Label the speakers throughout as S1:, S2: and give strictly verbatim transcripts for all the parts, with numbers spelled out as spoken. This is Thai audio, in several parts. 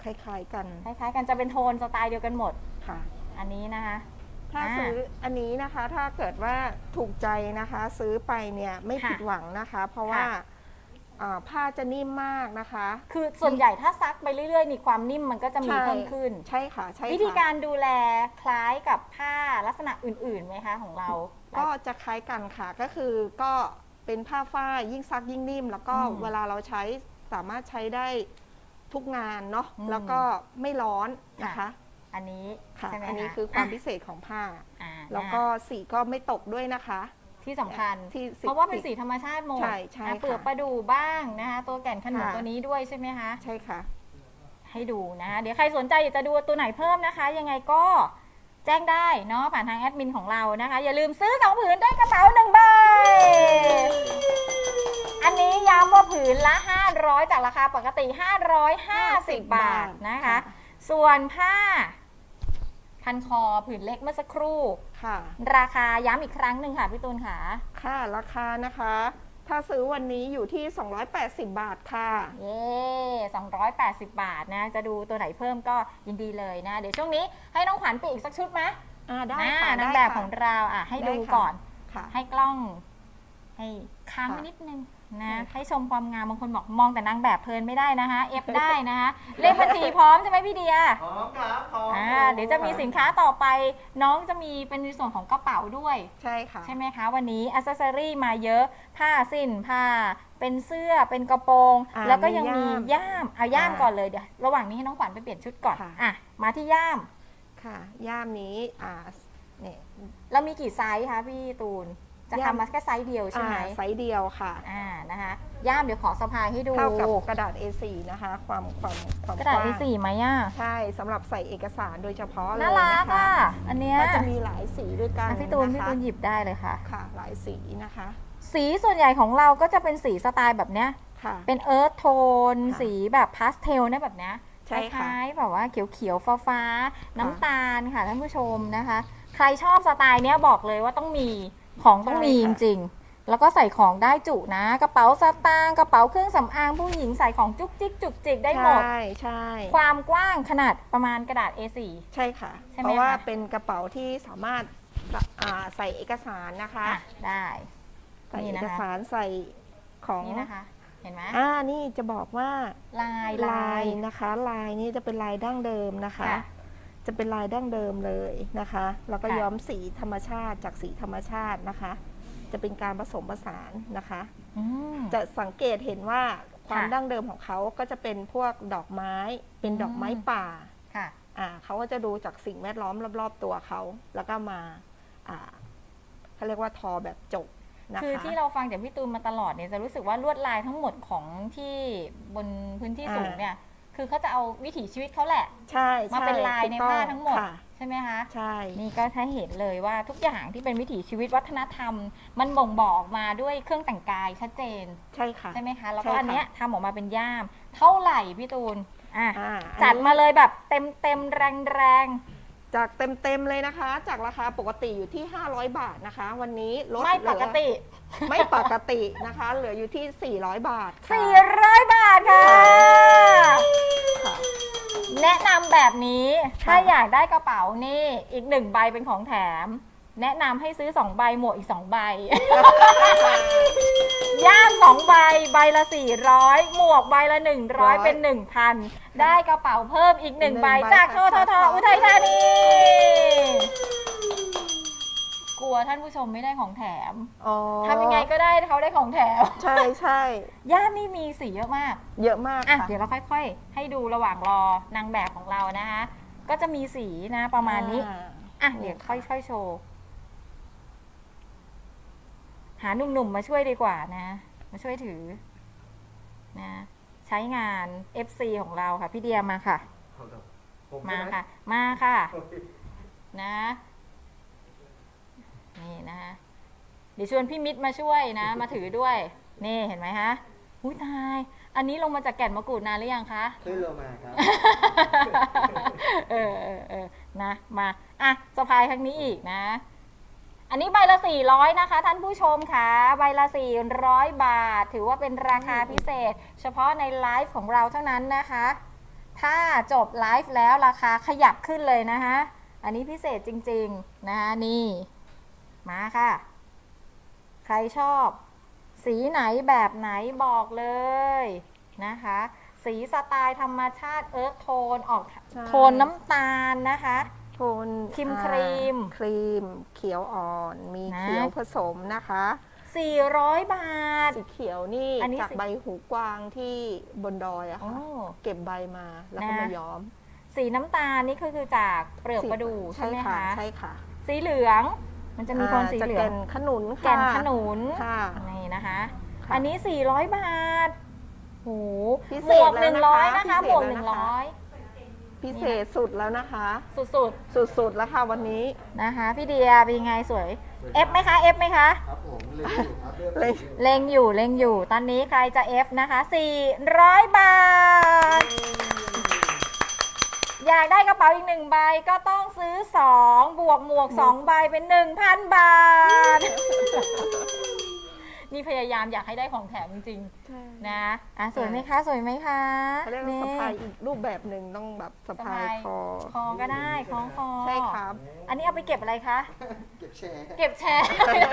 S1: คล้ายๆกัน
S2: คล้ายๆกันจะเป็นโทนสไตล์เดียวกันหมด
S1: ค่ะ
S2: อันนี้นะคะ
S1: ถ้าซื้ออันนี้นะคะถ้าเกิดว่าถูกใจนะคะ ซื้อไปเนี่ยไม่ผิดหวังนะคะ เพราะว่าผ้าจะนิ่มมากนะคะ
S2: คือส่วนใหญ่ถ้าซักไปเรื่อยๆนี่ความนิ่มมันก็จะมีเพิ่มขึ้น
S1: ใช่ค่ะใช่ค่ะ
S2: วิธีการดูแลคล้ายกับผ้าลักษณะอื่นๆไหมคะของเรา
S1: ก็จะคล้ายกันค่ะก็คือก็เป็นผ้าฝ้ายยิ่งซักยิ่งนิ่ม แล้วก็เวลาเราใช้สามารถใช้ได้ทุกงานเนาะแล้วก็ไม่ร้อนนะคะ
S2: อันนี้
S1: ค่ะ
S2: ใช่ไหมคะ
S1: อันนี้คือความพิเศษของผ้าแล้วก็สีก็ไม่ตกด้วยนะคะ
S2: ที่สำคัญ
S1: ที่
S2: เพราะว่าเป็นสีธรรมชาติหมด
S1: ใช่ใช่
S2: เปลือกประดู่บ้างนะคะตัวแก่นขนุนตัวนี้ด้วยใช่ไหมคะ
S1: ใช่ค่ะ
S2: ให้ดูนะคะเดี๋ยวใครสนใจอยากจะดูตัวไหนเพิ่มนะคะ ยังไงก็แจ้งได้เนาะผ่านทางแอดมินของเรานะคะอย่าลืมซื้อสองผืนได้กระเป๋าหนึ่งใบอันนี้ย้ำว่าผืนละห้าร้อยจากราคาปกติห้าร้อยห้าสิบบาทนะคะส่วนผ้าพันคอผืนเล็กเมื่อสักครู่
S1: ค่ะ
S2: ราคาย้ำอีกครั้งหนึ่งค่ะพี่ตูนค่ะ
S1: ค่ะราคานะคะถ้าซื้อวันนี้อยู่ที่สองร้อยแปดสิบบาทค่ะ
S2: เย้สองร้อยแปดสิบบาทนะจะดูตัวไหนเพิ่มก็ยินดีเลยนะเดี๋ยวช่วงนี้ให้น้องขวัญไปอีกสักชุดไหม
S1: อ่าได้ค่ะ
S2: นางแบบของเราอ่ะให้ดูก่อนให้กล้องให้ค้างไว้นิดนึงนะให้ชมความงามบางคนบอกมองแต่นางแบบเพลินไม่ได้นะคะเอฟได้นะคะเลขบัญชีพร้อมใช่ไหมพี่เดีย
S3: พร้อมครับพร้อม
S2: อ่าเดี๋ยวจะมีสินค้าต่อไปน้องจะมีเป็นในส่วนของกระเป๋าด้วย
S1: ใช่ค่ะ
S2: ใช่ไหมคะวันนี้อัซเซอรี่มาเยอะผ้าสิ้นผ้าเป็นเสื้อเป็นกระโปรงแล้วก็ยังมีย่ามเอาย่ามก่อนเลยเดี๋ยวระหว่างนี้ให้น้องขวัญไปเปลี่ยนชุดก่อนอ่ะมาที่ย่าม
S1: ค่ะย่ามนี้อ่าเนี่ย
S2: เรามีกี่ไซส์คะพี่ตูนจะทำมาแค่ไซส์เดียวใช่ไหม
S1: ไซส์เดียวค่ะ
S2: อ่านะคะย่ามเดี๋ยวขอสะพายให้ดู
S1: เท่ากับกระดาษ เอ สี่ นะคะความความความ
S2: กระดาษ เอ สี่ ไหมอ่ะ
S1: ใช่สำหรับใส่เอกสารโดยเฉพาะเลย
S2: น่ารักอ่ะอันเนี้ย
S1: ก็จะมีหลายสีด้วยกัน
S2: พี่ตูนพี่ตูนหยิบได้เลยค่ะ
S1: ค่ะหลายสีนะคะ
S2: สีส่วนใหญ่ของเราก็จะเป็นสีสไตล์แบบเนี้ยเป็นเอิร์ธโทนสีแบบพาสเทลนะแบบเนี้ยคล้ายๆแบบว่าเขียวๆฟ้าๆน้ำตาลค่ะท่านผู้ชมนะคะใครชอบสไตล์เนี้ยบอกเลยว่าต้องมีของต้องมีจริงๆแล้วก็ใส่ของได้จุนะกระเป๋าสตางค์กระเป๋าเครื่องสำอางผู้หญิงใส่ของจุกจิกจุกจิกได้หมด
S1: ใช่ใช่
S2: ความกว้างขนาดประมาณกระดาษ เอ สี่
S1: ใช่ค่ะเพราะว่าเป็นกระเป๋าที่สามารถใส่เอกสารนะคะ
S2: ได้
S1: ใส่เอกสารใส่ของ
S2: นี่นะคะเห็นไหม
S1: อ่านี่จะบอกว่า
S2: ลาย
S1: ลายนะคะลายนี้จะเป็นลายดั้งเดิมนะคะจะเป็นลายดั้งเดิมเลยนะคะแล้วก็ย้อมสีธรรมชาติจากสีธรรมชาตินะคะจะเป็นการผสมผสานนะคะจะสังเกตเห็นว่าความดั้งเดิมของเขาก็จะเป็นพวกดอกไม้เป็นดอกไม้ป่า
S2: ค่ะ
S1: อ่าเขาก็จะดูจากสิ่งแวดล้อมรอบๆตัวเขาแล้วก็มาอ่าเขาเรียกว่าทอแบบจบ
S2: คือที่เราฟังจากพี่ตูนมาตลอดเนี่ยจะรู้สึกว่าลวดลายทั้งหมดของที่บนพื้นที่สูงเนี่ยคือเขาจะเอาวิถีชีวิตเขาแหละ
S1: ใช่
S2: มาเป็นลายในผ้าทั้งหมดใช่ไหมคะ
S1: ใช่
S2: นี่ก็ถ้าเห็นเลยว่าทุกอย่างที่เป็นวิถีชีวิตวัฒนธรรมมันบ่งบอกออกมาด้วยเครื่องแต่งกายชัดเจน
S1: ใช่ค่ะ
S2: ใช่ไหมคะแล้วก็อันเนี้ยทำออกมาเป็นย่ามเท่าไหร่พี่ตูนอ่ะจัด
S1: น
S2: มาเลยแบบเต็มเต็มแรงแรง
S1: จากเต็มๆเลยนะคะจากราคาปกติอยู่ที่ห้าร้อยบาทนะคะวันนี้ลด
S2: ไม่ปกติ
S1: ไม่ปกตินะคะเหลืออยู่ที่สี่ร้อยบาท
S2: สี่ร้อยบาทค่ะแนะนำแบบนี้ถ้าอยากได้กระเป๋านี่อีกหนึ่งใบเป็นของแถมแนะนำให้ซื้อสองใบหมวกอีกสองใบย่ามสองใบใบละสี่ร้อยหมวกใบละหนึ่งร้อยเป็นหนึ่งพันได้กระเป๋าเพิ่มอีกหนึ่งใบจากทททอุทัยธานีกลัวท่านผู้ชมไม่ได้ของแถมทำยังไงก็ได้เขาได้ของแถม
S1: ใช่ใช่
S2: ย่ามนี่มีสีเยอะมาก
S1: เยอะมาก
S2: อ่ะเดี๋ยวเราค่อยๆให้ดูระหว่างรอนางแบบของเรานะคะก็จะมีสีนะประมาณนี้อ่ะเดี๋ยวค่อยๆโชว์หาหนุ่มๆมาช่วยดีกว่านะมาช่วยถือนะใช้งาน เอฟ ซี ของเราค่ะพี่เดียมาค่ะมาค่ะมาค่ะนะนี่นะคะเดี๋ยวชวนพี่มิตรมาช่วยนะมาถือด้วยนี่เห็นไหมคะอุ้ยตายอันนี้ลงมาจากแก่นมะกรูดนานหรือยังคะ
S3: ขึ้นลงมาครับ
S2: เออเออเออนะมาอ่ะสะพายครั้งนี้อีกนะอันนี้ใบละสี่ร้อยนะคะท่านผู้ชมค่ะใบละสี่ร้อยบาทถือว่าเป็นราคาพิเศษเฉพาะในไลฟ์ของเราเท่านั้นนะคะถ้าจบไลฟ์แล้วราคาขยับขึ้นเลยนะคะอันนี้พิเศษจริงๆนะคะนี่มาค่ะใครชอบสีไหนแบบไหนบอกเลยนะคะสีสไตล์ธรรมชาติเอิร์ธโทนออกโทนน้ำตาลนะคะ
S1: โทน
S2: ครีมครีม
S1: ครีมเขียวอ่อนมีเขียวผสมนะคะ
S2: สี่ร้อยบาท
S1: สีเขียวนี่
S2: นนี้
S1: จากใบหูกวางที่บนดอยอะค่ะเก็บใบมาแล้วก็มาย้อม
S2: สีน้ำตาลนี่คือจากเปลือกประดู่ใช่ไหมคะ
S1: ใช่ค่ะ
S2: สีเหลืองมันจะมีคนสีเหลือง
S1: แก่นขนุน
S2: แก่นขนุนนี่นะคะอันนี้สี่ร้อยบาทโหหมวกหนึ่งร้อยนะคะหมวกหนึ่งร้อย
S1: พิเศษสุดแล้วนะคะ
S2: สุดสุด
S1: สุดสุดแล้วค่ะวันนี้
S2: นะคะพี่เดียเป็นไงสวยเอฟไหมคะเอฟไหมคะ
S3: ครับผมเล็งอยู่ครับ
S2: เล็งอยู่เล็งอยู่ตอนนี้ใครจะเอฟนะคะสี่ร้อยบาทอยากได้กระเป๋าอีกหนึ่งใบก็ต้องซื้อสองบวกหมวกสองใบเป็น หนึ่งพัน บาทนี่พยายามอยากให้ได้ของแถมจริงๆนะอ่ะสวยไหมคะสวยไหมคะ
S1: เขาเรียกว่าสะพายอีกรูปแบบหนึ่งต้องแบบสะพายคอ
S2: คอก็ได้คล้องคอ
S1: ใช่ครับ
S2: อันนี้เอาไปเก็บอะไรคะ
S3: เก็บแชร์
S2: เก็บแชร์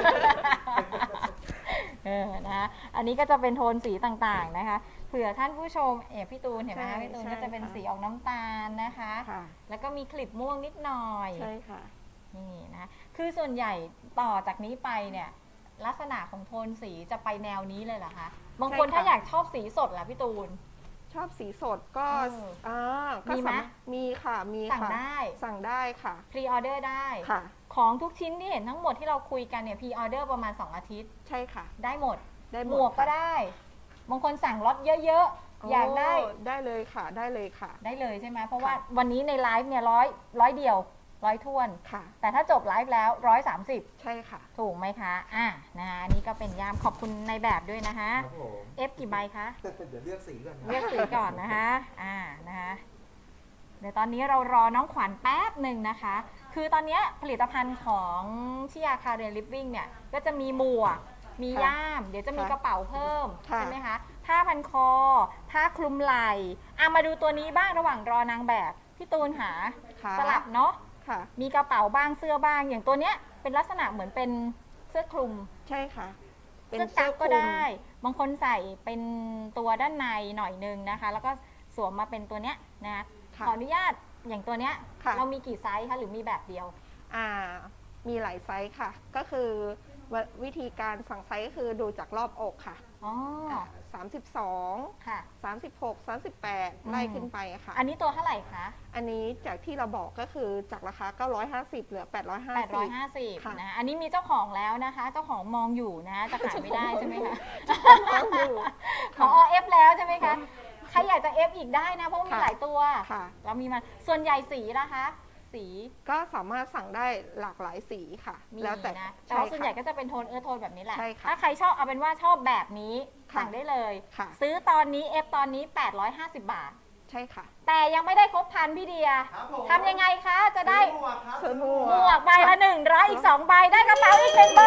S2: เออนะอันนี้ก็จะเป็นโทนสีต่างๆนะคะเผื่อท่านผู้ชมเอ๋พี่ตูนเห็นไหมพี่ตูนก็จะเป็นสีออกน้ำตาลนะคะแล้วก็มีคลิปม่วงนิดหน่อย
S1: ใช่ค่ะ
S2: นี่นะคือส่วนใหญ่ต่อจากนี้ไปเนี่ยลักษณะของโทนสีจะไปแนวนี้เลยเหรอคะบางคนถ้าอยากชอบสีสดล่ะพี่ตูน
S1: ชอบสีสดก็อ่า
S2: มีไหม
S1: มีค่ะมี
S2: สั่งได้
S1: สั่งได้ค่ะ
S2: พรีออเดอร์ได้
S1: ค่ะ
S2: ของทุกชิ้นที่เห็นทั้งหมดที่เราคุยกันเนี่ยพรีออเดอร์ประมาณสองอาทิตย์
S1: ใช่ค่ะ
S2: ได้หมด
S1: ได้
S2: หมวกก็ได้บางคนสั่งล็อตเยอะๆอยากได้
S1: ได้เลยค่ะได้เลยค่ะ
S2: ได้เลยใช่ไหมเพราะว่าวันนี้ในไลฟ์เนี่ยร้อยร้อยเดียวร้อยทวน
S1: ค่ะ
S2: แต่ถ้าจบไลฟ์แล้วร้อยสามสิบ
S1: ใช่ค่ะ
S2: ถูกไหมคะอ่ะนะคะนี่ก็เป็นยามขอบคุณในแบบด้วยนะคะเอฟกี่ใบคะ
S3: เดี๋ยวเลือกสีก่อน
S2: เลือกสีก่อนนะคะอ่านะคะเดี๋ยวตอนนี้เรารอน้องขวัญแป๊บหนึ่งนะคะคือตอนนี้ผลิตภัณฑ์ของชิยาคาเรนลิฟวิ่งเนี่ยก็จะมีหมวกมีย่ามเดี๋ยวจะมีกระเป๋าเพิ่มใช่ไหมคะผ้าพันคอผ้าคลุมไหล่อ่ะมาดูตัวนี้บ้างระหว่างรอนางแบบพี่ตูนหาสลับเนาะมีกระเป๋าบ้างเสื้อบ้างอย่างตัวเนี้ยเป็นลักษณะเหมือนเป็นเสื้อคลุม
S1: ใช่ค่ะ
S2: เสื้อกั๊กก็ได้บางคนใส่เป็นตัวด้านในหน่อยนึงนะคะแล้วก็สวมมาเป็นตัวเนี้ยนะขออนุญาตอย่างตัวเนี้ยเรามีกี่ไซส์คะหรือมีแบบเดียว
S1: อ่ามีหลายไซส์ค่ะก็คือวิธีการสั่งไซส์ก็คือดูจากรอบอกค่ะ
S2: อ๋อ
S1: สามสิบสอง
S2: ค่ะ
S1: สามสิบหกสามสิบแปดไล่ขึ้นไปค่ะ
S2: อันนี้ตัวเท่าไหร่คะ
S1: อันนี้จากที่เราบอกก็คือจากราคาเก้าร้อยห้าสิบเหลือแปดร้อยห้าสิบ
S2: แปดร้อยห้าสิบนะอันนี้มีเจ้าของแล้วนะคะเจ้าของมองอยู่นะจะขายไม่ได้ใช่ไหมคะขอเอฟแล้วใช่ไหมคะใครอยากจะเอฟอีกได้นะเพราะมีหลายตัวเรามีมาส่วนใหญ่สีนะคะสี
S1: ก็สามารถสั่งได้หลากหลายสีค่ะ
S2: แล้วแต่นะแต่ว่าส่วนใหญ่ก็จะเป็นโทนเออโทนแบบนี้แหละ
S1: ถ้า
S2: ใครชอบเอาเป็นว่าชอบแบบนี้สั่งได้เลยซื้อตอนนี้เอฟตอนนี้แปดร้อยห้าสิบบาท
S1: ใช่ค่ะ
S2: แต่ยังไม่ได้ครบพันพี่เดียทำยังไงคะจะได้
S3: หมวกครับ
S2: หมวกใบละหนึ่งร้อยอีกสองใบได้กระเป๋าอีกหนึ่งใบ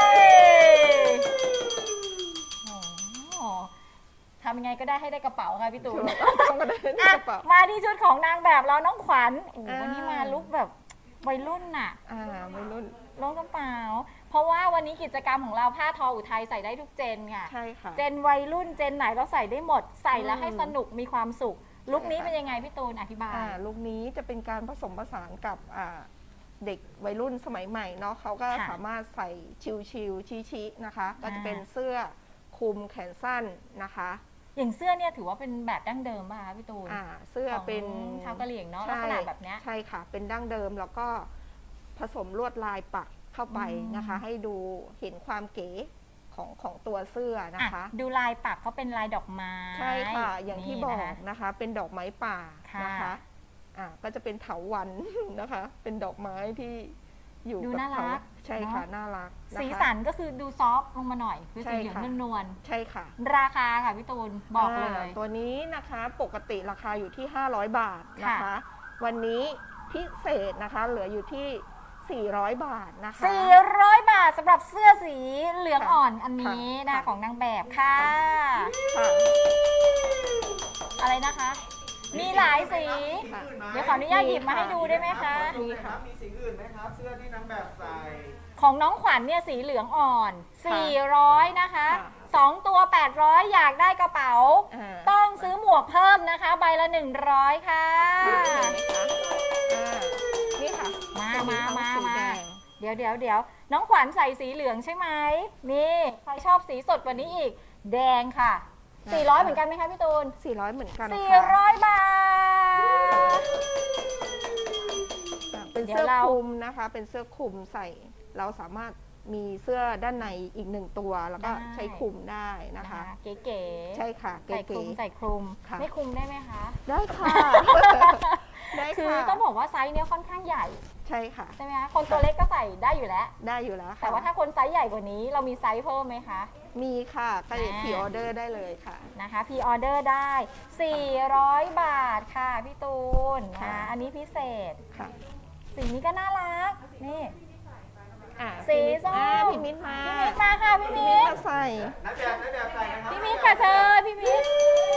S2: ทำยังไงก็ได้ให้ได้กระเป๋าค่ะพี่ตูนมาที่ชุดของนางแบบเราน้องขวัญวันนี้มาลุคแบบวัยรุ่นน่ะ
S1: วัยรุ่น
S2: ลงกระเป๋าเพราะว่าวันนี้กิจกรรมของเราผ้าทออุทัยใส่ได้ทุกเจนค่ะ
S1: ใช่ค่ะ
S2: เจนวัยรุ่นเจนไหนเราใส่ได้หมดใส่แล้วให้สนุกมีความสุขลุคนี้เป็นยังไงพี่ตูนอธิบาย
S1: ลุคนี้จะเป็นการผสมผสานกับเด็กวัยรุ่นสมัยใหม่เนาะเขาก็สามารถใส่ชิวๆชี้ๆนะคะก็จะเป็นเสื้อคลุมแขนสั้นนะคะ
S2: อย่างเสื้อเนี่ยถือว่าเป็นแบบดั้งเดิมป่ะคะพี่ตูน
S1: อ่าเสื้อเป็น
S2: ชาวกะเหรี่ยงเนาะลักษณะแบบนี้
S1: ใช่ค่ะเป็นดั้งเดิมแล้วก็ผสมลวดลายปักเข้าไปนะคะให้ดูเห็นความเก๋ของของตัวเสื้อนะคะ
S2: ดูลายปักเขาเป็นลายดอกไม้
S1: ใช่ค่ะอย่างที่บอกนะคะเป็นดอกไม้ป่านะคะอ่าก็จะเป็นเถาวัลย์นะคะเป็นดอกไม้ที่อยู่
S2: ดูน่ารัก
S1: ใช่ค่ะน่ารัก
S2: สีสันก็คือดูซอฟลงมาหน่อยคือสีเหลืองนวล
S1: ใช่ค่ะ
S2: ราคาค่ะพี่ตูนบอกเลย
S1: ตัวนี้นะคะปกติราคาอยู่ที่ห้าร้อยบาทนะคะวันนี้พิเศษนะคะเหลืออยู่ที่สี่ร้อยบาทนะคะ
S2: สี่ร้อยบาทสำหรับเสื้อสีเหลืองอ่อนอันนี้นะของนางแบบค่ะอะไรนะคะมีหลายสี
S1: ค่ะ
S2: เดี๋ยวขออนุญาตหยิบมาให้ดูได้ไหมคะ
S3: มีครับมีสีอื่นไหมครับ เสื้อที่นางแบบใส่
S2: ของน้องขวัญเนี่ยสีเหลืองอ่อน
S1: ค่ะ
S2: สี่ร้อย นะคะ
S1: ค่ะ
S2: สองตัว แปดร้อย อยากได้กระเป๋า
S1: อ่า
S2: ต้องซื้อหมวกเพิ่มนะคะ ใบละ หนึ่งร้อย ค่ะ
S1: เห็นไหมคะอ่านี่ค่ะ
S2: มา
S1: จะ
S2: มา
S1: ทั้ง
S2: มา
S1: สี
S2: มา
S1: แดง
S2: เดี๋ยวเดี๋ยวเดี๋ยวน้องขวัญใส่สีเหลืองใช่ไหมนี่ ใครชอบสีสดกว่านี้อีก แดงค่ะ สี่ร้อย เหมือนกันไหมคะพี่ตูน
S1: สี่ร้อยเหมือนกัน
S2: สี่
S1: ค่ะ
S2: ร้อย บาท
S1: อ่าเป็น
S2: เดี๋ยว
S1: เสื้อ
S2: เรา
S1: คลุมนะคะ เป็นเสื้อคลุมใส่ เราสามารถมีเสื้อด้านในอีกหนึ่งตัว แล้วก็ใช้คลุมได้นะ
S2: นะคะ
S1: คะ
S2: เก๋ๆ
S1: ใช่ค่ะ
S2: ใส่ค
S1: เก๋
S2: ลุมใส่คลุม
S1: ค่ะ
S2: ไม่คลุมได้ไหมคะ
S1: ๆได้ค่ะ ได้
S2: คือ
S1: ค่ะ
S2: ต้องบอกว่าไซส์เนี้ยค่อนข้างใหญ่
S1: ใช่ค่ะ
S2: ใช่ไหมคะคนตัวเล็กก็ใส่ได้อยู่แล้ว
S1: ได้อยู่แล้วค่ะ
S2: แต่ว่าถ้าคนไซส์ใหญ่กว่านี้เรามีไซส์เพิ่มไหมคะ
S1: มีค่ะก็
S2: อ่า
S1: พรีออเดอร์ได้เลยค่ะ
S2: นะคะพรีออเดอร์ได้ สี่ร้อย บาทค่ะพี่ตูน
S1: ค่ะ
S2: นะอันนี้พิเศษ
S1: ค่ะ
S2: สีนี้ก็น่ารัก นี่
S1: อ่า
S2: สี
S1: พี่มิตร
S2: ส้ม
S1: อ่าพี่มิตรมา
S2: พี่มิตรมาค่ะพี่
S1: พี่
S2: มิ
S1: มิตร
S2: ตร
S1: มาใส่
S3: นายแบบนายแบบใส่นะครับ
S2: พี่มิตรค่ะเชิญพี่มิตร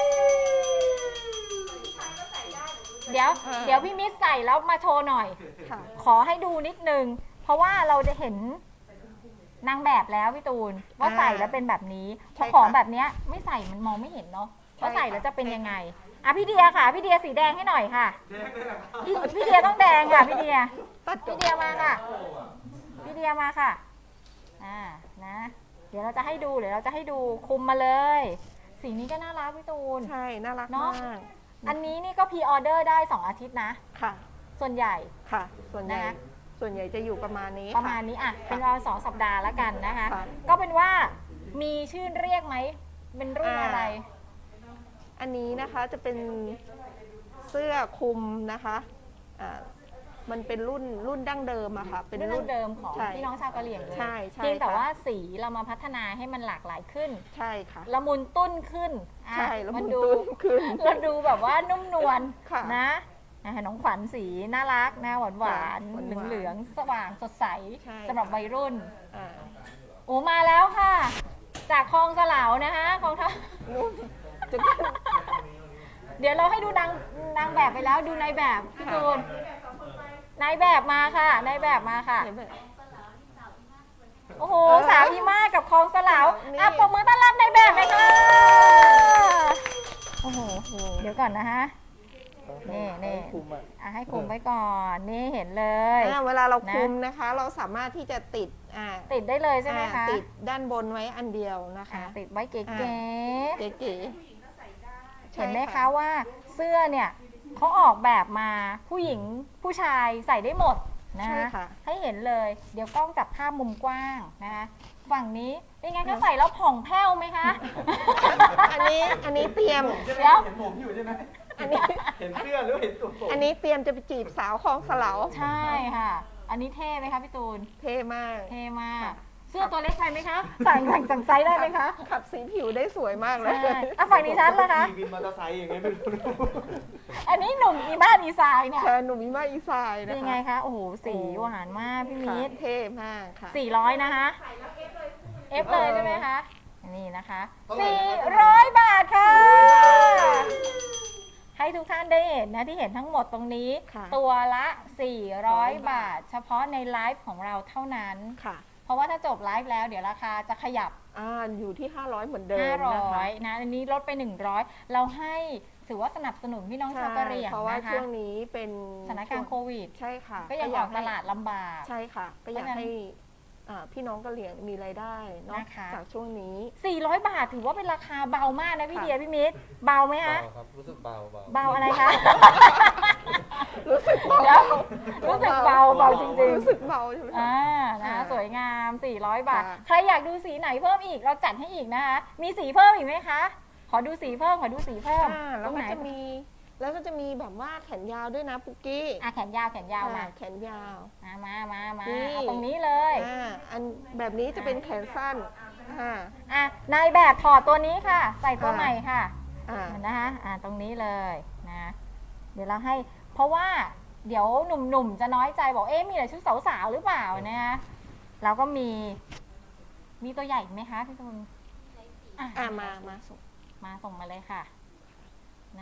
S2: เดี๋ยว เดี๋ยวพี่มิตรใส่แล้วมาโชว์หน่อย
S1: ค่ะ
S2: ขอให้ดูนิดนึง เพราะว่าเราจะเห็นนางแบบแล้วพี่ตูน ว่า
S1: อ่า
S2: ใส่แล้วเป็นแบบนี้เพ
S1: ใช่
S2: ราะ
S1: ค่ะ
S2: ของแบบเนี้ยไม่ใส่มันมองไม่เห็นเนาะ
S1: ใช่
S2: ว่าใส่
S1: ค่ะ
S2: แล้วจะเป็นยังไงอ่ะพี่เดียค่ะ พี่เดียสีแดงให้หน่อยค่ะ
S3: แดงเลยเหรอครับ
S2: พี่พี่เดียต้องแดงค่ะพี่เดีย
S1: ตัดจ
S2: พี่
S1: บ
S2: เดียมาค่ะ พี่เดียมาค่ะอ่านะ เดี๋ยวเราจะให้ดูเดี๋ยวเราจะให้ดูคุมมาเลย สีนี้ก็น่ารักพี่ตูน
S1: ใช่ น่ารัก
S2: เนอะ
S1: มาก
S2: อันนี้นี่ก็พรีออเดอร์ได้สองอาทิตย์นะ
S1: ค่ะ
S2: ส่วนใหญ่
S1: ค่ะ ส่วนใหญ่
S2: นะคะ
S1: ส่วนใหญ่จะอยู่ประมาณนี้
S2: ประมาณ
S1: ค่
S2: นี้อ่ะ เป็นราวสองสัปดาห์แล้วกันนะคะ
S1: ค่ะ
S2: ก็เป็นว่ามีชื่อเรียกไหม เป็นรุ่นอะไร
S1: อันนี้นะคะจะเป็นเสื้อคลุมนะคะอ่ามันเป็นรุ่นรุ่นดั้งเดิมอะค่ะ เป็น
S2: รุ่นเดิมของ
S1: ใช่
S2: พี่น้องชาวกะเหรี่ยงเลย
S1: ใช่ใช่
S2: เพียงแต่
S1: ค่ะ
S2: ว่าสีเรามาพัฒนาให้มันหลากหลายขึ้น
S1: ใช่ค่ะ
S2: ละมุนตุ้นขึ้นอ่ะ
S1: ใช่แล้ว
S2: มั
S1: มัน น
S2: ดู
S1: ตุ้นขึ้น
S2: เราดูแบบว่านุ่มนวล
S1: ค่ะ
S2: นะนะคะน้องขวัญสีน่ารักนะหวานหวาน
S1: หวาน
S2: เหลือง
S1: ๆ
S2: เหลืองๆสว่างสดใส
S1: ใช่
S2: สำหรับวัยรุ่น
S1: อ่า
S2: โอ้มาแล้วค่ะ จากคลองสลาวนะคะคลองท่า
S1: นุ่มจะ
S2: เดี๋ยวเราให้ดูนางนางแบบไปแล้วดูนายแบบพี่ตูนนายแบบมาค่ะนายแบบมาค่ะ
S1: เห็นไหม
S2: โอ้โห
S1: เออ
S2: สาวอีมากับคลองสลาว
S1: นี่
S2: อ่ะปรบมือต้อนรับนายแบบเลยค่ะโอ้โห
S1: โอ้
S2: เดี๋ยวก่อนนะฮะ นี่นี่
S3: คุมอ่ะ
S2: อ่ะให้คุมไว้ก่อนนี่เห็นเลย
S1: อ่าเวลาเรา
S2: นะ
S1: คลุมนะคะ เราสามารถที่จะติดอ่า
S2: ติดได้เลยใช่ไหม
S1: อ่า
S2: คะ
S1: ติดด้านบนไว้อันเดียวนะ
S2: อ่ะ
S1: คะ
S2: ติดไว้เก๋
S1: อ่า เก๋ๆ
S2: ๆ
S1: ใช่
S2: เห็นไหมคะว่าเสื้อเนี่ยเขาออกแบบมาผู้หญิงผู้ชายใส่ได้หมดนะ
S1: ใช่
S2: คะ
S1: ค่ะ
S2: ให้เห็นเลย เดี๋ยวกล้องจับภาพมุมกว้างนะคะฝั่งนี้เป็นไงคะใส่แล้วผ่องแผ้วไหมคะ
S1: อันนี้อันนี้เตรียม
S3: ใช่ไหม
S2: เดี๋ยว
S3: เห็นผมอยู่ใช่ไหม
S1: อันนี้
S3: เห็นเสื้อหรือเห็นตัวผม
S1: อันนี้เตรียมจะไปจีบสาวคลองสลาว
S2: ใช่ค่ะ อันนี้เท่ไหมคะพี่ตูน
S1: เท่มาก
S2: เท่มาก
S1: ค่ะ
S2: เสื้อตัวเล็กไปไหมคะสั่งสั่งสั่งไซส์ได้ไหมคะ
S1: ขับสีผิวได้สวยมากเลย
S2: ใช่อ่ะฝั่งนี้ชัดแล้วคะ
S3: ขี่วินมอเตอร์ไซค์อย่างเงี้ยไม่รู้
S2: อันนี้หนุ่มอีบ้านอีสายเนี่ย
S1: แทนหนุ่มอิมาอีสาย
S2: เป็
S1: นะ
S2: น
S1: คะ
S2: ไงคะ โอ้โห สีหวานมากพี่
S1: ค่ะ
S2: มิตร
S1: เท่มากค่ะ
S2: สี่ร้อยนะคะ เอฟเลยใช่ไหมคะ นี่นะคะ
S3: เท่าไหร่
S2: สี่
S3: นะครับ
S2: ร้อยบาทค่ะ
S1: สี่ร้อยบาท
S2: ให้ทุกท่านได้เห็นนะที่เห็นทั้งหมดตรงนี้
S1: ค่ะ
S2: ตัวละ สี่ร้อย บาท เฉพาะในไลฟ์ของเราเท่านั้น
S1: ค่ะ
S2: เพราะว่าถ้าจบไลฟ์แล้วเดี๋ยวราคาจะขยับ
S1: อ่าอยู่ที่ ห้าร้อยเหมือนเดิมนะคะ
S2: ห้าร้อยนะ อันนี้ลดไป หนึ่งร้อย เราให้ถือว่าสนับสนุนพี่น้องชาวกะเหรี่ยง
S1: เพราะว่า
S2: นะคะ
S1: ช่วงนี้เป็น
S2: สถานการณ์โควิด
S1: ใช่ค่ะ
S2: ก็ยังออกตลาดลำบาก
S1: ใช่ค่ะ ก็อยาก
S2: เพราะฉะนั้น
S1: ให้อ่าพี่น้องกะเหรี่ยงมีรายได้เนาะ
S2: นะคะ
S1: จากช่วงนี้
S2: สี่ร้อย บาทถือว่าเป็นราคาเบามากนะพี่
S1: ค่ะ
S2: เดียพี่มิตร เบาไหมคะ
S4: เบาครับ รู้สึกเบาเบา
S2: เบาอะไรคะ
S1: รู้สึกเบา
S2: เดี๋ยวรู้สึกเบาเบาจริง
S1: รู้สึกเบาใช่ไหม
S2: ๆ
S1: คะ
S2: อ่านะ
S1: ค่ะ
S2: สวยงาม สี่ร้อย บาท
S1: ค่ะ
S2: ใครอยากดูสีไหนเพิ่มอีก เราจัดให้อีกนะคะ มีสีเพิ่มอีกไหมคะ ขอดูสีเพิ่ม ขอดูสีเพิ่ม
S1: อ่า
S2: ต
S1: แล้
S2: ร
S1: ว
S2: ง
S1: ก็
S2: ไหน
S1: จะมี แล้วก็จะมีแบบว่าแขนยาวด้วยนะปุกกี้
S2: อ่ะแขนยาวแขนยาวมา
S1: อ่แขนยาว
S2: มามามามา
S1: นี่
S2: เอาตรงนี้เลย
S1: อ่าอันแบบนี้จะเป็นแขนสั้นอ่า
S2: อ่ะนายแบบถอดตัวนี้ค่ะ ใส่ตัว
S1: ค่ะ
S2: ใหม่ค่ะ
S1: อ่า
S2: นะคะอ่าตรงนี้เลยนะ เดี๋ยวเราให้ เพราะว่าเดี๋ยวหนุ่มๆ จะน้อยใจบอก เอ๊ะ มีแต่ชุดสาวๆ หรือเปล่านะคะเราก็มี มีตัวใหญ่อีกไหมคะพี่ตุล
S1: อ่ามามาส่ง
S2: มาส่งมาเลยค่ะนะคะ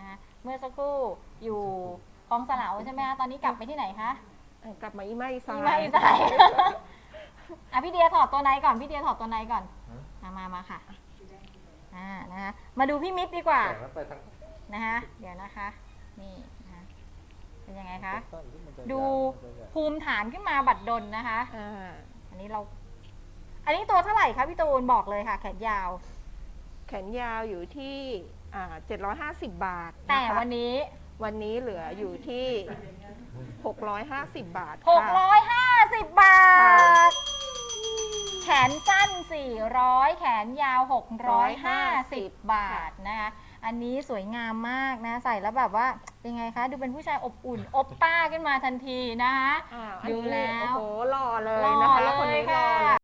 S2: เมื่อสักครู่อยู่คลองสลาวใช่ไหมคะตอนนี้กลับไปที่ไหนคะ
S1: เอ่อกลับมาอีไม่ซา
S2: อี
S1: ย
S2: ไม่ใส่อ่ะพี่เดียถอดตัวในก่อนพี่เดียถอดตัวในก่อนมามามาค่ะอ่านะคะมาดูพี่มิตรดีกว่า
S3: แต่แล้วไปทาง
S2: นะคะเดี๋ยวนะคะนี่นะคะเป็นยังไงคะ
S3: ต้นที่มันจะ
S2: ดู
S3: ยาวมันจะใหญ่
S2: ภูมิฐานขึ้นมาบัดดลนะคะ
S1: อ่า
S2: อันนี้เรา อันนี้ตัวเท่าไหร่คะพี่ตูนบอกเลยค่ะแขนยาว
S1: แขนยาวอยู่ที่อ่าเจ็ดร้อยห้าสิบบาท
S2: แต่
S1: นะคะ
S2: วันนี้
S1: วันนี้เหลืออยู่ที่หกร้อยห้าสิบบาท
S2: หก
S1: ค่ะ
S2: ร้อยห้าสิบบา
S1: ค่ะ
S2: ท แขนสั้น สี่ร้อย แขนยาว หกร้อยห้าสิบ บาทนะคะ อันนี้สวยงามมากนะ ใส่แล้วแบบว่าเป็นไงคะ ดูเป็นผู้ชายอบอุ่น อบป้าขึ้นมาทันทีนะคะ
S1: อ่าอัน
S2: ดู
S1: นี้
S2: แล้ว
S1: โอ้โหหล่อเลย
S2: หล่อ
S1: นะคะ
S2: เล
S1: คน
S2: ย
S1: นี้หล่อ
S2: ค่ะ
S1: เลย